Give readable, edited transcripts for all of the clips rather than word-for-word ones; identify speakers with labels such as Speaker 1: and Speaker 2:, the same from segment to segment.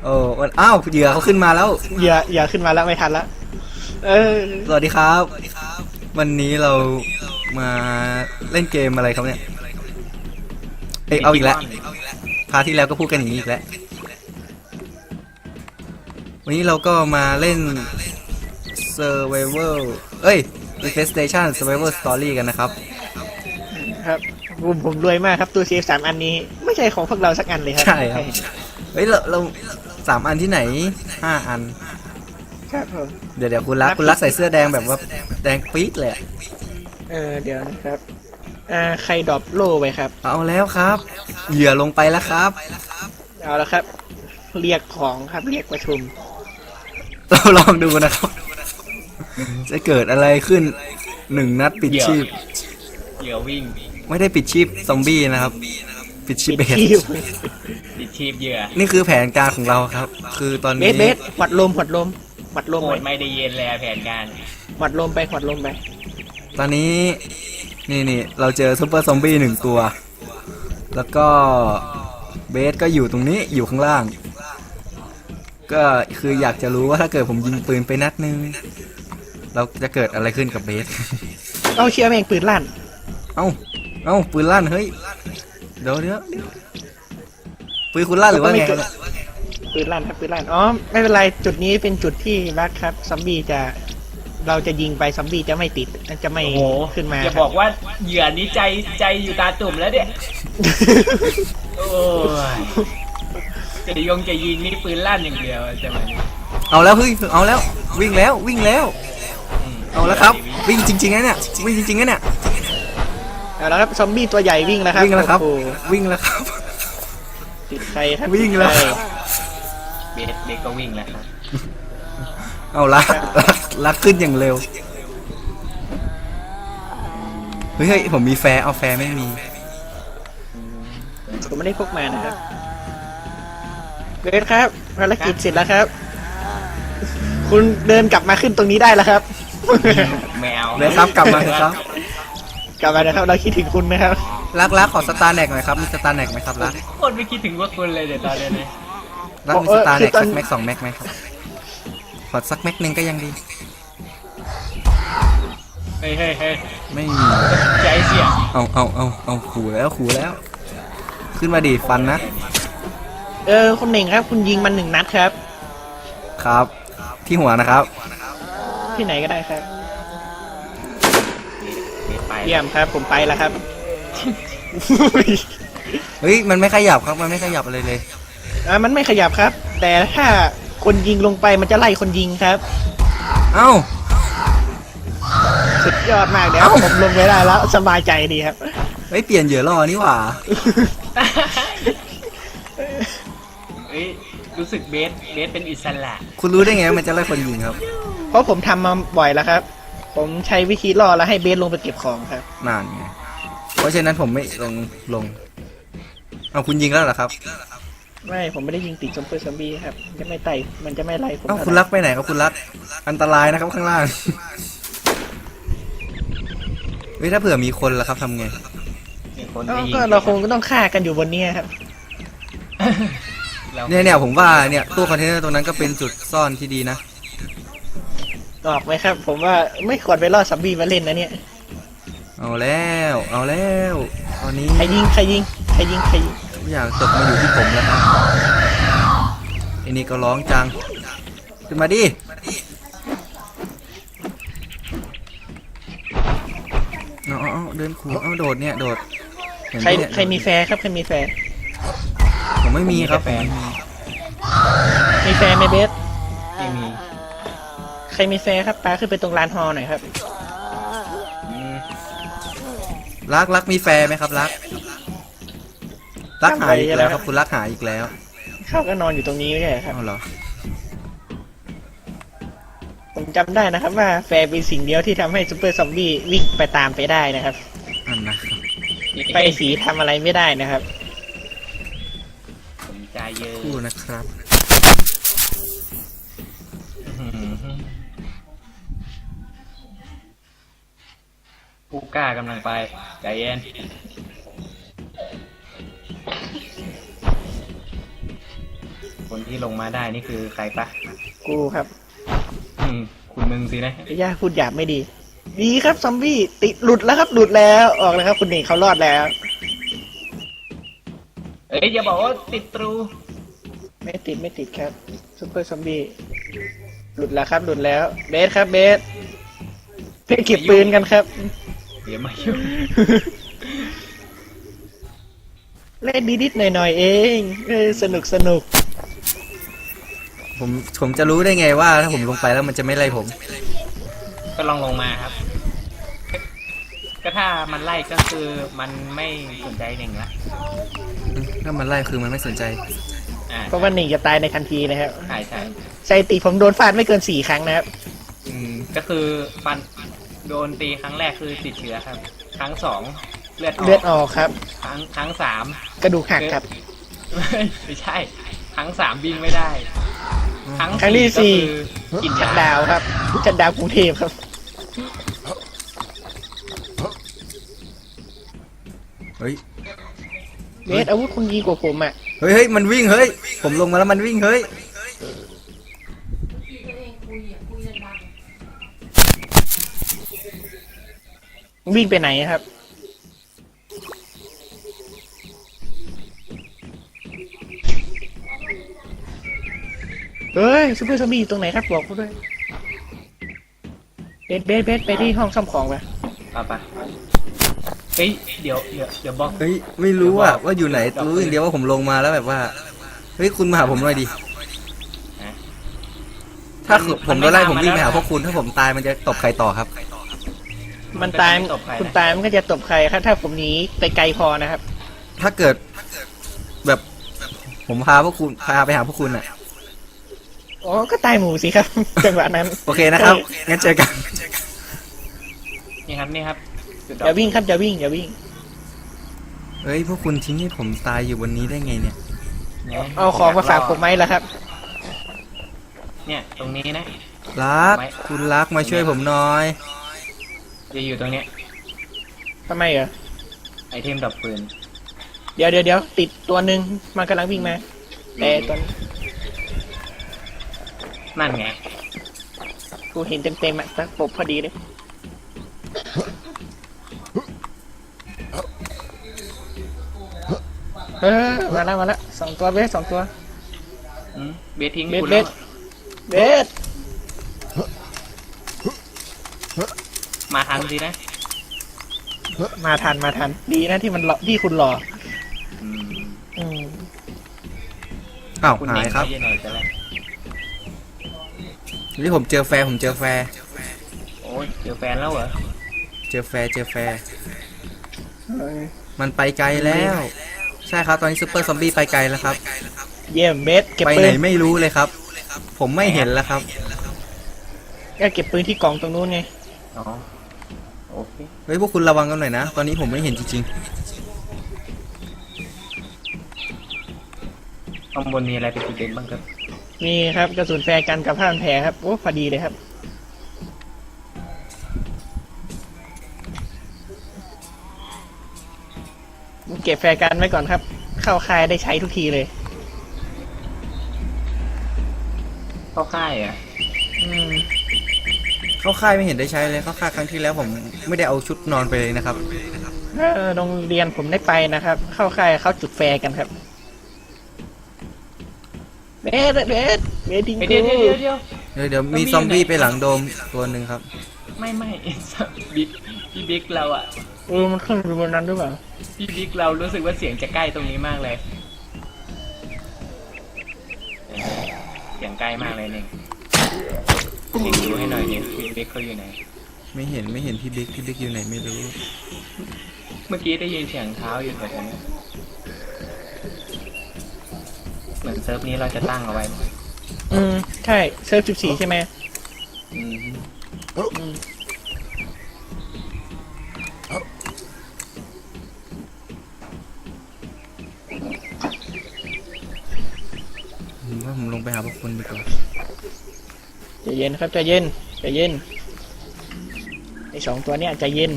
Speaker 1: โอ้อ้าวเหยื่อเขาขึ้นมาแล้ว
Speaker 2: อย่าขึ้นมาแล้วไม่ทันแล้ว
Speaker 1: สวัสดีครับวันนี้เรามาเล่นเกมอะไรครับเนี่ยเอาอีกแล้วพาร์ทที่แล้วก็พูดกันอย่างนี้อีกแล้ววันนี้เราก็มาเล่น Survival Infestation Survival Story กันนะครับ
Speaker 2: ครับผมรวยมากครับตัวเซฟ3 อันนี้ไม่ใช่ของพวกเราสักอันเลยครับ
Speaker 1: ใช่ครับเรา3 อันที่ไหน5 อัน
Speaker 2: ครับผม
Speaker 1: เดี๋ยวคุณรักใส่เสื้อแดงแบบว่าแดงปี๊ดเลย
Speaker 2: เดี๋ยวนะครับใครดรอปโล่ไปครับ
Speaker 1: เอาแล้วครับเหยื่อลงไปแล้วครับ
Speaker 2: เอาแล้วครับเรียกของครับเรียกประชุม
Speaker 1: เราลองดูนะครับจะเกิดอะไรขึ้น1 นัดปิดชีพ
Speaker 3: เหยื่อวิ่ง
Speaker 1: ไม่ได้ปิดชีพซอมบี้นะครับปิดชีพเบส
Speaker 3: ปิดชีพเหยื่อ
Speaker 1: นี่คือแผนการของเราครับคือตอนนี้
Speaker 2: เบสหวัดลมโห
Speaker 3: ดไม่ได้เย็นแล้วแผนการ
Speaker 2: หวัดลมไป
Speaker 1: ตอนนี้นี่เราเจอซุปเปอร์ซอมบี้1 ตัวแล้วก็เบสก็อยู่ตรงนี้อยู่ข้างล่างก็คืออยากจะรู้ว่าถ้าเกิดผมยิงปืนไปนัดนึงเราจะเกิดอะไรขึ้นกับเบส
Speaker 2: เอาเชียร์แม่งปืนลั่น
Speaker 1: เอ้าปืนลั่นเฮ้ยเดี๋ยวปืนคุณลั่นหรือว่าไง
Speaker 2: ปืนลั่นครับปืนลั่นอ๋อไม่เป็นไรจุดนี้เป็นจุดที่รักครับซอมบี้เราจะยิงไปซอมบี้จะไม่ติดจะไม่ขึ้นมา
Speaker 3: อย่าบอกว่าเหยื่อนี้ใจอยู่ตาตุ่มแล้วเนี่ยโอ้ยจะยิงนี่ปืนลั่นอย่างเดียวจะมา
Speaker 1: เอาแล้วเฮ้ยเอาแล้ววิ่งแล้วเอาแล้วครับวิ่งจริงๆนะเนี่ยวิ่งจริงๆนะเนี่ย
Speaker 2: เอาแล้วครับซอมบี้ตัวใหญ่วิ่งแล้วครับ
Speaker 1: วิ่งแล้วครับ
Speaker 2: ติดใครครับ
Speaker 1: วิ่งแล้ว
Speaker 3: เบสก็วิ่งแล้วครับ
Speaker 1: เอาลักขึ้นอย่างเร็วเฮ้ยผมมีแฟร์เอาแฟร์ไม่มี
Speaker 2: ผมไม่ได้พกมานะครับเบสครับภารกิจเสร็จแล้วครับคุณเดินกลับมาขึ้นตรงนี้ได้แล้วครับ
Speaker 3: แมว
Speaker 1: เลยครับกลับมาครับ
Speaker 2: นะครับเราคิดถึงคุณนะครับ
Speaker 1: รักขอสตาร์แน็กหน่อยครับมีสตาร์แน็กไหมครับรัก
Speaker 3: คนไม่คิดถึงว่าคุณเลยเดี๋ยวตอนนี้
Speaker 1: รักมีสตาร์แน็กสักแม็ก2 แม็กไหมครับขอสักแม็กนึงก็ยังดี
Speaker 3: เฮ้ย
Speaker 1: ไม่มี
Speaker 3: ใจเสีย
Speaker 1: เอาขู่แล้วขึ้นมาดิฟันนะ
Speaker 2: คุณเน่งครับคุณยิงมัน1 นัดครับ
Speaker 1: ครับที่หัวนะครับ
Speaker 2: ที่ไหนก็ได้ครับเยี่ยมครับผมไปแล้วครับ
Speaker 1: เฮ้ยมันไม่ขยับครับมันไม่ขยับอะไรเลย
Speaker 2: มันไม่ขยับครับแต่ถ้าคนยิงลงไปมันจะไล่คนยิงครับ
Speaker 1: เอ้า
Speaker 2: สุดยอดมากเดี๋ยวผมลงไปได้แล้วสบายใจดีครับ
Speaker 1: ไม่เปลี่ยนเหยื่อล่อนี่หว่า
Speaker 3: รู้สึกเบสเป็นอิสระ
Speaker 1: คุณรู้ได้ไงมันจะไล่คนยิงครับ
Speaker 2: เพราะผมทำมาบ่อยแล้วครับผมใช้วิธีล่อแล้วให้เบสลงไปเก็บของครับ
Speaker 1: นั่นไงเพราะฉะนั้นผมไม่ลงเอาคุณยิงแล้วเหรอครับ
Speaker 2: ไม่ผมไม่ได้ยิงติดซุปเปอร์ซอมบี้ครับจะไม่ไต่มันจะไม่ไล่ผม
Speaker 1: คุณรักไปไหนครับคุณรักอันตรายนะครับข้างล่างเฮ้ยถ้าเผื่อมีคนล่ะครับทำไง
Speaker 2: ก็เราคงต้องฆ่ากันอยู่บนนี้ครับ
Speaker 1: เนี่ยผมว่าเนี่ยตู้คอนเทนเนอร์ตรงนั้นก็เป็นจุดซ่อนที่ดีนะ
Speaker 2: ออกไหมครับผมว่าไม่ควรไปล่อซอมบี้มาเล่นนะเนี่ย
Speaker 1: เอาแล้วตอนนี้
Speaker 2: ใครยิง
Speaker 1: ทุกอย่างตกมาอยู่ที่ผมแล้วครับไอ้นี่ก็ร้องจังขึ้นมาดิเอาเดินขู่โดด
Speaker 2: ใครมีแฟร์ครับใครมีแฟร์
Speaker 1: ผมไม่มีครับ
Speaker 2: มีแฟร์ไหมเบส
Speaker 3: ไม่มี
Speaker 2: ใครมีแฟร์ครับปาขึ้นไปตรงลานฮอหน่อยครับ
Speaker 1: รักมีแฟร์ไหมครับรักหายอีกแล้วครับคุณรักหายอีกแล้ว
Speaker 2: เขาก็นอนอยู่ตรงนี้ไม่ใช่ครับ
Speaker 1: เอาเหรอ
Speaker 2: ผมจำได้นะครับว่าแฟร์เป็นสิ่งเดียวที่ทำให้ซุปเปอร์ซอมบี้วิ่งไปตามไปได้นะครับไปสีทำอะไรไม่ได้นะครับ
Speaker 3: ใจเยอะ
Speaker 1: คู่นะครับ
Speaker 3: ผู้กล้ากำลังไปใจเย็นคนที่ลงมาได้นี่คือใครปะ
Speaker 2: กูครับ
Speaker 3: คุณมึงสินะ
Speaker 2: ย่าพูดหยาบไม่ดี ดีครับซอมบี้ติดหลุดแล้วครับหลุดแล้วออกแล้วครับคุณเอกเขารอดแล้ว
Speaker 3: เอ้ยอย่าบอกว่าติดตรู
Speaker 2: ไม่ติดครับซุปเปอร์ซอมบี้หลุดแล้วครับหลุดแล้วเบสครับเบสไปเก็บปืนกันครับ
Speaker 3: เดี๋ยวมายุ่ง
Speaker 2: เล่นนิดๆหน่อยๆเองสนุก
Speaker 1: ผมจะรู้ได้ไงว่าถ้าผมลงไปแล้วมันจะไม่ไล่ผม
Speaker 3: ก็ลองลงมาครับ ก็ถ้ามันไล่ก็คือมันไม่สนใจหนึ่งละ
Speaker 1: ถ้ามันไล่คือมันไม่สนใจ
Speaker 2: เพราะว่าหนึ่งจะตายในทันทีนะครับ
Speaker 3: ใช่ใช่
Speaker 2: สถิติผมโดนฟาดไม่เกิน4 ครั้งนะครับ
Speaker 3: ก็คือฟันโดนตีครั้งแรกคือติดเชื้อครับ ครั้งสองเลือดอ
Speaker 2: เลือด
Speaker 3: อก
Speaker 2: ออกครับ
Speaker 3: ครั้งสาม
Speaker 2: กระดูกหักครับ
Speaker 3: ไม่ใช่ ครั้งสามวิ่งไม่ได้
Speaker 2: ครั้งที่สี่
Speaker 3: ก็คือกิน
Speaker 2: ชัด
Speaker 3: ยา
Speaker 2: ดาวน์ครับชัดดาวน์กรุงเทพครับ
Speaker 1: เฮ้ย
Speaker 2: เบสอาวุธคุณดีกว่าผมอ่ะ
Speaker 1: เฮ้ยมันวิ่งเฮ้ยผมลงมาแล้วมันวิ่งเฮ้ย
Speaker 2: วิ่งไปไหนครับ เฮ้ยซูเปอร์ซอมบี้อยู่ตรงไหนครับบอกกูด้วยเบสไปที่ห้องซ่อมของไป
Speaker 3: ปะเฮ้ยเดี๋ยวบอก
Speaker 1: เฮ้ยไม่รู้อะว่าอยู่ไหนรู้อย่างเดียวว่าผมลงมาแล้วแบบว่าเฮ้ยคุณมาหาผมหน่อยดิถ้าผมโดนไล่ผมวิ่งไปหาพวกคุณถ้าผมตายมันจะตบใครต่อครับ
Speaker 2: มันตายคุณตายมันก็จะตบใครครับถ้าผมหนีไปไกลพอนะครับ
Speaker 1: ถ้าเกิดแบบผมพาพวกคุณพาไปหาพวกคุณอะ
Speaker 2: อ๋อก็ตายหมูสิครับ จังหวะนั้น
Speaker 1: โอเคนะครับงั้นเจอกัน
Speaker 3: นี่ครับจุดด
Speaker 2: อย่าวิ่งครับอย่าวิ่ง
Speaker 1: เฮ้ยพวกคุณทิ้งให้ผมตายอยู่บนนี้ได้ไงเนี่ย
Speaker 2: เอาของมาฝากผมไหมล่ะครับ
Speaker 3: เนี่ยตรงนี้นะ
Speaker 1: รักคุณรักมาช่วยผมหน่อย
Speaker 3: จะอยู่ตรงเนี้ย
Speaker 2: ทำไมเหรอ
Speaker 3: ไอเทมดับปืน
Speaker 2: เดี๋ยวติดตัวหนึ่งมันกำลังวิ่งมาแต่ตัวนี้
Speaker 3: นั่นไง
Speaker 2: กูเห็นเต็มๆอ่ะตะปบพอดีเลยมาแล้ว2 ตัวเบส2 ตัว
Speaker 3: เบสทิ้ง
Speaker 2: เบส
Speaker 3: คุณ
Speaker 2: เบ
Speaker 3: แล้ว
Speaker 2: สเบส
Speaker 3: มาทันสินะ
Speaker 2: มาทันดีนะที่มันหลอกที่คุณหลอก
Speaker 3: อืม
Speaker 2: อืม
Speaker 1: อ้าว
Speaker 3: คุณ
Speaker 1: หายครับ
Speaker 3: เน่งไปยังไงจะแล้ว
Speaker 1: นี่ผมเจอแฟร์ผมเจอแฟร์
Speaker 3: โอ้ยเจอแฟนแล้วเหรอ
Speaker 1: เจอแฟร์มันไปไกลแล้ว ใช่ครับตอนนี้ซูเปอร์ซอมบี้ไปไกลแล้วครับ
Speaker 2: เยี่ยมเบสเก็บ
Speaker 1: ไป
Speaker 2: ปื
Speaker 1: ไหน
Speaker 2: น
Speaker 1: ไม่รู้เลยครับ ผมไม่เห็นแล้วครับ
Speaker 2: ก็เก็บปืนที่กล่องตรงนู้นไง
Speaker 3: อ๋อโอเค
Speaker 1: เฮ้ยพวกคุณระวังกันหน่อยนะ ตอนนี้ผมไม่เห็นจริง
Speaker 3: ข้างบนมีอะไรเป็นจุดเด่นบ้างครับ
Speaker 2: มีครับกระสุนแฟร์กันกับผ้าพันแผลครับโอ้พอดีเลยครับเก็บแฟร์กันไว้ก่อนครับ เข้าค่ายได้ใช้ทุกทีเลย
Speaker 3: เข้าค่ายอ่ะ
Speaker 2: อืม
Speaker 1: ๆ เข้าค่ายไม่เห็นได้ใช้เลยเข้าค่ายครั้งที่แล้วผมไม่ได้เอาชุดนอนไปเลยนะครับ
Speaker 2: โรงเรียนผมได้ไปนะครับ เข้าค่ายเข้าจุดแฟร์กันครับเบสดิง
Speaker 3: เดี๋ยว
Speaker 2: กู
Speaker 3: เดี๋ยว
Speaker 1: เดี๋ยวมีซอมบี้ไปหลังโดมตัวหนึ่งครับ
Speaker 3: ไม่ บิ๊กพี่บิ๊กเราอ่ะ
Speaker 2: มันขึ้นไปบนนั้นหรือเปล่า
Speaker 3: พี่บิ๊กเรารู้สึกว่าเสียงจะใกล้ตรงนี้มากเลยเสียงใกล้มากเลยเนี่ยเด็กดูให้หน่อยเนี่ยพี่บิ๊กเขาอยู่ไหน
Speaker 1: ไม่เห็นพี่บิ๊กอยู่ไหนไม่รู้
Speaker 3: เมื่อกี้ได้ยินเสียงเท้าอยู่แถวนี้เหมือนเซิร์ฟนี้เราจะตั้งเอาไว้
Speaker 2: ใช่เซิร์ฟ14ใช่ไหม
Speaker 3: อืม
Speaker 1: ผมว่าผมลงไปหาพวกคุณดีกว่า
Speaker 2: ใจเย็นครับใจเย็นไอ้2 ตัวเนี้ยใจเย็น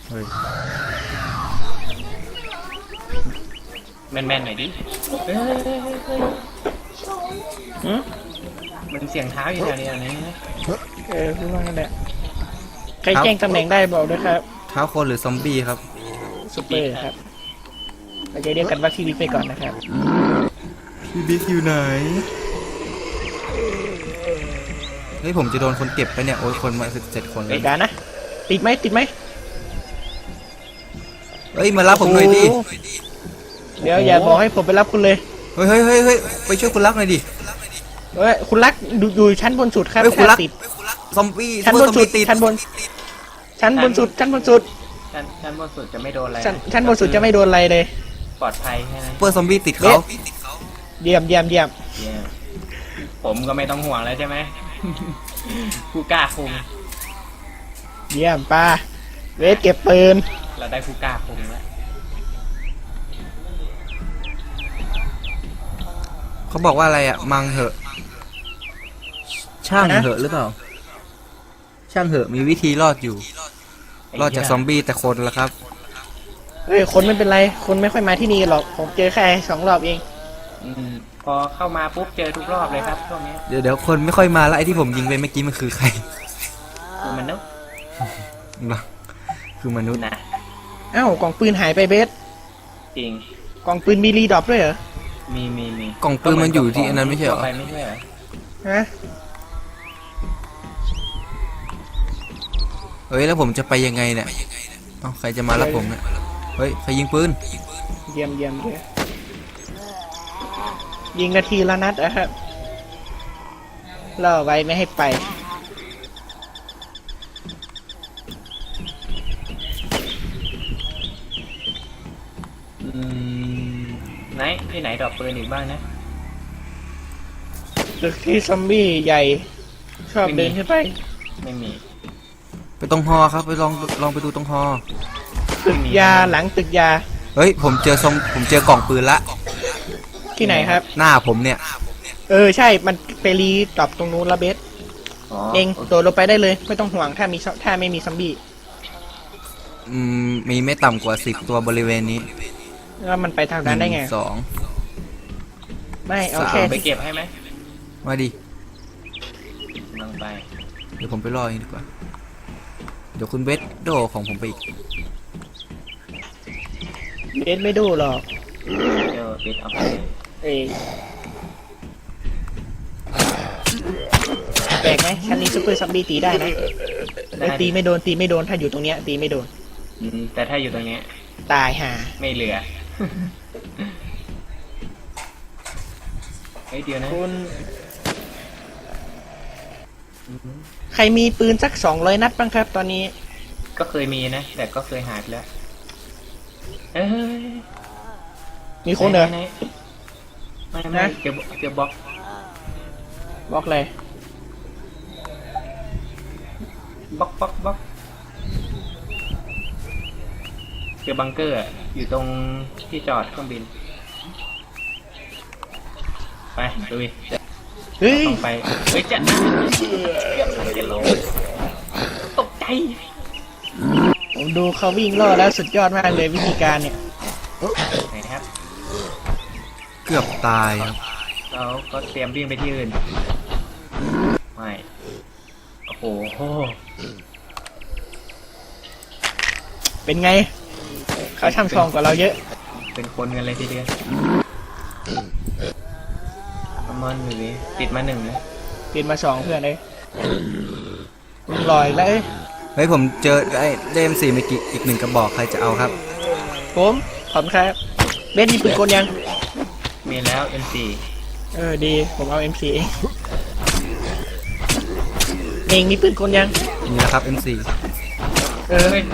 Speaker 1: เฮ้ย
Speaker 3: แมนๆหน่อยดิเฮ้ย
Speaker 2: หืม
Speaker 3: มันเสียงเท้าอยู่แถวนี้นะ
Speaker 2: พูดว่ากันแหละใครแจ้งตำแหน่งได้บอกด้วยครับ
Speaker 1: เท้าคนหรือซอมบี้ครับ
Speaker 2: ซุปเปอร์ครับเราจะเรียกกันว่าพี่วิกไปก่อนนะครับ
Speaker 1: พี่บิ๊กอยู่ไหน เฮ้ยผมจะโดนคนเก็บไปเนี่ย โอ้ยคนมา17 คนเล
Speaker 2: เอ้
Speaker 1: ย
Speaker 2: ยการนะติดไหมติดไหม
Speaker 1: เฮ้ยมารับผมหน่อยดิ
Speaker 2: โอ้โหเดี๋ยวอย่าบอกให้ผมไปรับคุณเลย
Speaker 1: เฮ้ยเฮ้ยเฮ้ยเฮ้ยไปช่วยคุณรักหน่อยดิ
Speaker 2: เฮ้ยคุณรักอยู่ชั้นบนสุดครับ
Speaker 1: เฮ้ยคุณรัก
Speaker 2: ติด
Speaker 1: ซอมบี้
Speaker 2: ชั้นบนสุด
Speaker 1: ติด
Speaker 2: ชั้นบนสุดชั้นบนสุด
Speaker 3: ชั้นบนสุดจะไม่โดนอะไร
Speaker 2: ชั้นบนสุดจะไม่โดนอะไรเลย
Speaker 3: ปลอดภัยแค่นั้น
Speaker 1: เปอร์ซอมบี้ติดเขา
Speaker 2: เยี่ยมเยี่ยมเยี่ยม
Speaker 3: เนี่ยผมก็ไม่ต้องห่วงแล้วใช่ไหม ผู้กล้าคุม
Speaker 2: เยี่ยมป้าเวทเก็บปืน
Speaker 3: เราได้ผู้กล้าคุมแล้ว
Speaker 1: เขาบอกว่าอะไรอ่ะมังเหอะ ช่างเหอะหรือเปล่า ช่างเหอะมีวิธีรอดอยู่ รอดจากซอมบี้แต่คนละครับ
Speaker 2: เฮ้ยคนไม่เป็นไรคนไม่ค่อยมาที่นี่หรอกผมเจอแค่2 รอบเอง
Speaker 3: พอเข้ามาปุ๊บเจอทุกรอบเลยครับช่วงนี้
Speaker 1: เดี๋ยวคนไม่ค่อยมาแล้วไอ้ที่ผมยิงไปเมื่อกี้มันคือใคร
Speaker 3: คือมันนุษย์
Speaker 1: นะคือมนุษย์
Speaker 3: นะ
Speaker 2: เอ้ากล่องปืนหายไปเบส
Speaker 3: จริง
Speaker 2: กล่องปืนมีรีดรอปด้วยเหรอ
Speaker 3: มี
Speaker 1: กล่องปืนมันอยู่ที่อันนั้นไม่ใช่เหรอ
Speaker 3: ไปไม่ใช่เหรอ
Speaker 2: ฮะ
Speaker 1: เฮ้ยแล้วผมจะไปยังไงเนี่ยเอ้าใครจะมารับผมเนี่ย เฮ้ยใครยิงปืน
Speaker 2: เยี่ยมเยี่ยมเยี่ยมยิงนาทีละนัดนะครับล่อไว้ไม่ให้ไป
Speaker 3: ไหนที่ไหนดอกปืนอีกบ้างนะ
Speaker 2: ตึกที่ซอมบี้ใหญ่ชอบเดินขึ้นไป
Speaker 3: ไม่มี
Speaker 1: ไปตรงฮอครับไปลองไปดูตรงฮอ
Speaker 2: ตึกยาหลังตึกยา
Speaker 1: เฮ้ยผมเจอกล่องปืนละ
Speaker 2: ที่ไหนครับ
Speaker 1: หน้าผมเนี่ย
Speaker 2: ใช่มันไปรีดรอปตรงนู้นละเบส เองโดดลงไปได้เลยไม่ต้องห่วงถ้าไม่มีซอมบี้
Speaker 1: มีไม่ต่ำกว่า10 ตัวบริเวณนี้
Speaker 2: แล้วมันไปทางนั้นได้ไง
Speaker 1: 1 2
Speaker 2: ไม่เอา
Speaker 1: สาม
Speaker 2: แค่
Speaker 3: ไปเก็บให้ไหม
Speaker 1: มาดิ
Speaker 3: ลงไป
Speaker 1: เดี๋ยวผมไปรอเองดีกว่า เดี๋ยวคุณเบสโดของผมไปอีก
Speaker 2: เบสไม่ดูหรอก
Speaker 3: เดี๋ยวปิดเอาไป
Speaker 2: เอ้ยแปลกไหมชั้นนี้ซูเปอร์ซอมบี้ตีได้นะตีไม่โดนถ้าอยู่ตรงเนี้ยตีไม่โดน
Speaker 3: แต่ถ้าอยู่ตรงเนี้ย
Speaker 2: ตายห่า
Speaker 3: ไม่เหลือ เฮ้ยเดี๋ยวนะ
Speaker 2: คุณใครมีปืนสัก200 นัดบ้างครับ ตอนนี้
Speaker 3: ก็เคยมีนะ แต่ก็เคยหายไปแล้วเอ้ย
Speaker 2: มีคนเหรอ
Speaker 3: ไหนไม่
Speaker 2: นะ
Speaker 3: เจอบล็อก
Speaker 2: บอกเลย
Speaker 3: บล็อกเจอบังเกอร์อะอยู่ตรงที่จอดเครื่องบิน ไปดูดิ
Speaker 2: เฮ้ย
Speaker 3: ต้องไปเฮ้ยจะลงตกใจ
Speaker 2: ผมดูเขาวิ่งล่อแล้วสุดยอดมากเลยวิธีการเนี่ย
Speaker 3: ไหนครับ
Speaker 1: เกือบตายครับ
Speaker 3: เราก็เตรียมวิ่งไปที่อื่น ไม่ โอ้โห
Speaker 2: เป็นไง เขาช่ำชองกว่าเราเยอะ
Speaker 3: เป็นคนกันเลยทีเดียวประมาณหนึ่งติดมา1นะ
Speaker 2: ติดมา2เพื่อนเลยลอยแล้ว
Speaker 1: เฮ้ยผมเจอได้M4เมื่อกี้อีก1 กระบอกใครจะเอาครับ
Speaker 2: ผมขอบคุณครับเบสมีปืนกลยัง
Speaker 3: มีแล้ว M4
Speaker 2: ดีผมเอา M4 เองมีปืนกลยัง
Speaker 1: นี่นะครับ M4
Speaker 3: เฮ้ย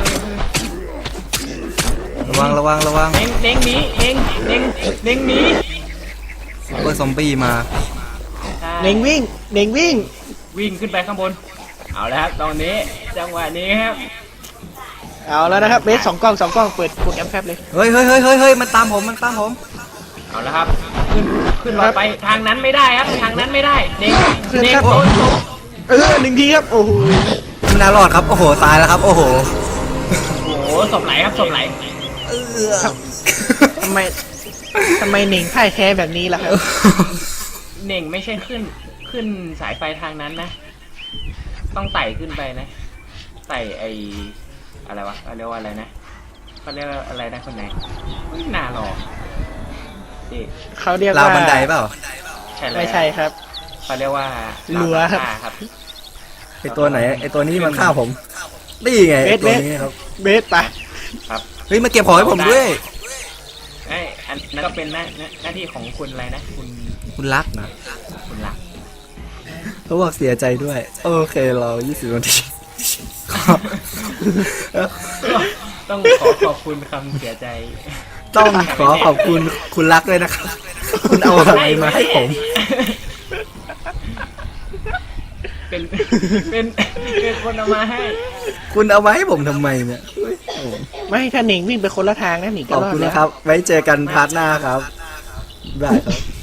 Speaker 1: ระวัง
Speaker 3: เน่งหนีเน่งหนี
Speaker 1: เปอร์ซอมบี้มา
Speaker 2: เน่งวิ่ง
Speaker 3: วิ่งขึ้นไปข้างบน เอาแล้วครับตอนนี้จังหวะนี้ครับ
Speaker 2: เอาแล้วนะครับเบส2 กล้องเปิดกดแอมแคปเลย
Speaker 1: เฮ้ยมันตามผม
Speaker 3: เอาแล้วครับ ขึ้นรถไปทางนั้นไม่ได้ครับ ทางนั้นไม่ได้เน่ง
Speaker 2: ครับ
Speaker 3: โดน
Speaker 2: 1 ทีครับโอ้โห
Speaker 1: ไม่น่ารอดครับ โอ้โห ตายแล้วครับ โอ้โห
Speaker 3: โอ้โหศพไหลครับศพไหล
Speaker 2: ทำไมเหน่งพ่ายแพ้แบบนี้ล่ะครับ
Speaker 3: เน่งไม่ใช่ขึ้นสายไฟทางนั้นนะ ต้องไต่ขึ้นไปนะไต่ไออะไรวะเขาเรียกว่าอะไรนะเขาเรียกว่าอะไรนะคนไหนไม่น่ารอนี่
Speaker 2: เขาเรียก
Speaker 1: ราว
Speaker 2: ว่า
Speaker 1: บันไดเปล่า
Speaker 3: ใช่แล้ว
Speaker 2: ไม่ใช่ครับ
Speaker 3: เขาเรียกว่า
Speaker 2: รั้วครับ
Speaker 3: ครับ
Speaker 1: ไอตัวไหนไอตัวนี้มันฆ่าผมนี่ไงไอตัวนี้ครับ
Speaker 2: เบสไป
Speaker 3: ครับ
Speaker 1: เฮ้ยมาเก็บของให้ผมด้วย
Speaker 3: ไอ้อันนั้นก็เป็นหน้าที่ของคุณอะไรนะ
Speaker 1: คุณรักนะ
Speaker 3: คุณหลัก
Speaker 1: เขาบอกเสียใจด้วย โอเคเรา20 นาที
Speaker 3: ต้องขอบคุณคำเสียใจ
Speaker 1: ต้องขอขอบคุณคุณรักด้วยนะครับ คุณเอาอะไรมาให้ผม
Speaker 3: เป็นคนเอามาให้
Speaker 1: คุณเอามาให้ผมทำไมเนี่ยเฮ้ยโอ้
Speaker 2: ไม่ถ้าเหน่งวิ่งไปคนละทางนะหนี
Speaker 1: ข
Speaker 2: ก็
Speaker 1: อบ
Speaker 2: รอด
Speaker 1: คุณ
Speaker 2: แล้ว
Speaker 1: นะครับ ไว้เจอกันพาร์ทหน้าครับได้ครับ